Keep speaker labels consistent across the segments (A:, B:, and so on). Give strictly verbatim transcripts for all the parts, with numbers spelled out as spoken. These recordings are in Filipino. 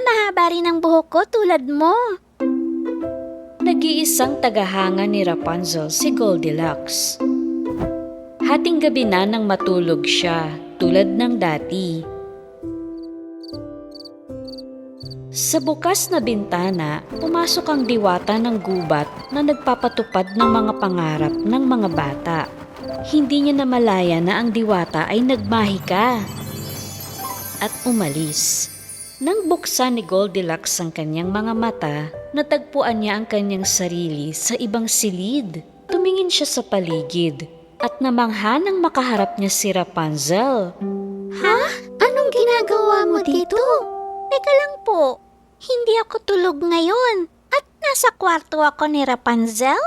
A: mahaba rin ang buhok ko tulad mo.
B: Nag-iisang tagahanga ni Rapunzel si Goldilocks. Hating gabi na nang matulog siya, tulad ng dati. Sa bukas na bintana, pumasok ang diwata ng gubat na nagpapatupad ng mga pangarap ng mga bata. Hindi niya namalaya na ang diwata ay nagmahika at umalis. Nang buksan ni Goldilocks ang kanyang mga mata, natagpuan niya ang kanyang sarili sa ibang silid. Tumingin siya sa paligid at namangha nang makaharap niya si Rapunzel.
A: Ha? Anong ginagawa mo dito? Teka lang po, hindi ako tulog ngayon at nasa kwarto ako ni Rapunzel?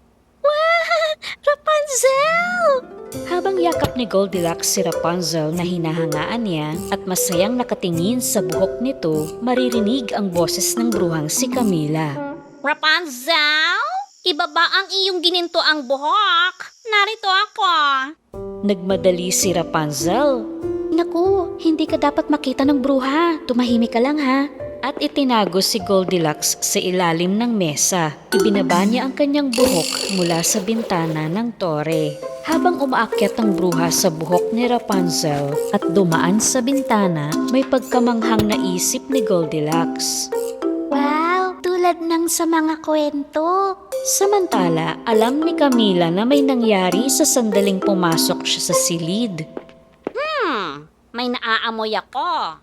A: Wow! Rapunzel!
B: Habang yakap ni Goldilocks si Rapunzel na hinahangaan niya at masayang nakatingin sa buhok nito, maririnig ang boses ng bruhang si Camilla.
A: Rapunzel? Ibaba ang iyong ginintoang buhok. Narito ako.
B: Nagmadali si Rapunzel.
A: Naku, hindi ka dapat makita ng bruha. Tumahimik ka lang ha.
B: At itinago si Goldilocks sa ilalim ng mesa. Ibinaba niya ang kanyang buhok mula sa bintana ng tore. Habang umaakyat ang bruha sa buhok ni Rapunzel at dumaan sa bintana, may pagkamanghang naisip ni Goldilocks.
A: Wow, tulad ng sa mga kwento.
B: Samantala, alam ni Camilla na may nangyari sa sandaling pumasok siya sa silid.
A: Hmm, may naaamoy ako.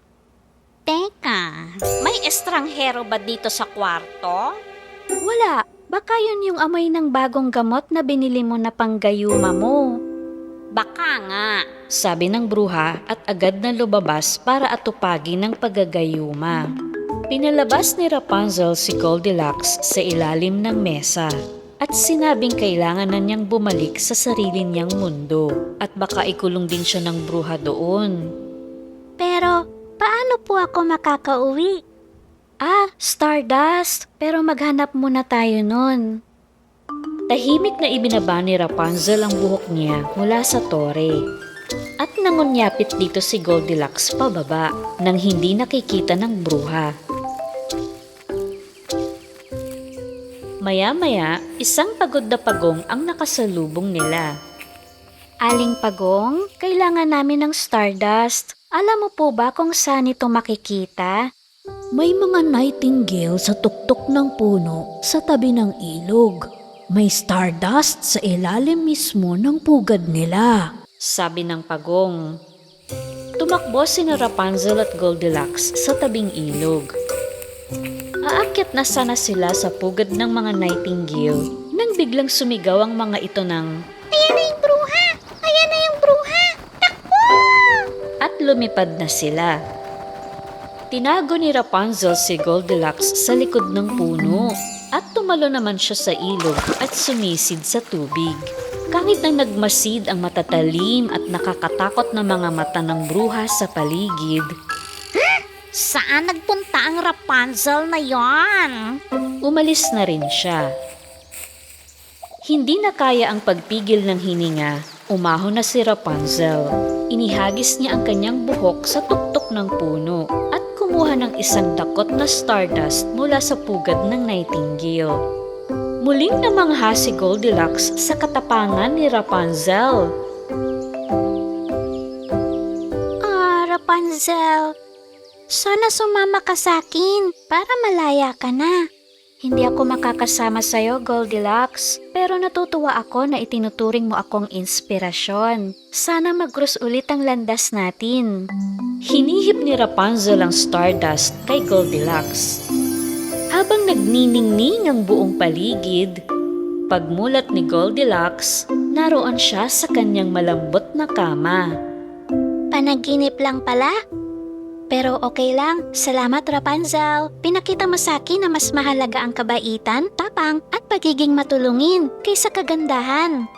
A: Teka, may estranghero ba dito sa kwarto?
B: Wala, baka yun yung amoy ng bagong gamot na binili mo na panggayuma mo.
A: Baka nga.
B: Sabi ng bruha at agad na lumabas para atupagin ng paggagayuma. Pinalabas ni Rapunzel si Goldilocks sa ilalim ng mesa at sinabing kailangan na niyang bumalik sa sarili niyang mundo at baka ikulong din siya ng bruha doon.
A: Pero paano po ako makakauwi?
B: Ah, Stardust! Pero maghanap muna tayo nun. Tahimik na ibinaba ni Rapunzel ang buhok niya mula sa tore. At nangunyapit dito si Goldilocks pababa nang hindi nakikita ng bruha. Maya-maya, isang pagod na pagong ang nakasalubong nila.
A: Aling Pagong, kailangan namin ng Stardust. Alam mo po ba kung saan ito makikita?
C: May mga nightingale sa tuktok ng puno sa tabi ng ilog. May stardust sa ilalim mismo ng pugad nila.
B: Sabi ng pagong. Tumakbo sina Rapunzel at Goldilocks sa tabing ilog. Aakyat na sana sila sa pugad ng mga nightingale nang biglang sumigaw ang mga ito ng,
A: Ayan na yung bruha! Ayan na yung bruha! Takbo!
B: at lumipad na sila. Tinago ni Rapunzel si Goldilocks sa likod ng puno at tumalo naman siya sa ilog at sumisid sa tubig. Kahit na nagmasid ang matatalim at nakakatakot na mga mata ng bruha sa paligid,
A: Saan nagpunta ang Rapunzel na yon?
B: umalis na rin siya. Hindi na kaya ang pagpigil ng hininga, umahon na si Rapunzel. Inihagis niya ang kanyang buhok sa tuktok ng puno at kumuha ng isang dakot na stardust mula sa pugad ng nightingale. Muling namangha si Goldilocks sa katapangan ni Rapunzel.
A: Ah, Rapunzel, sana sumama ka sa akin para malaya ka na.
B: Hindi ako makakasama sa'yo, Goldilocks, pero natutuwa ako na itinuturing mo akong inspirasyon. Sana mag-cross ulit ang landas natin. Hinihip ni Rapunzel ang stardust kay Goldilocks. Habang nagniningning ang buong paligid, pagmulat ni Goldilocks, naroon siya sa kanyang malambot na kama.
A: Panaginip lang pala? Pero okay lang. Salamat, Rapunzel. Pinakita mo sa akin na mas mahalaga ang kabaitan, tapang at pagiging matulungin kaysa kagandahan.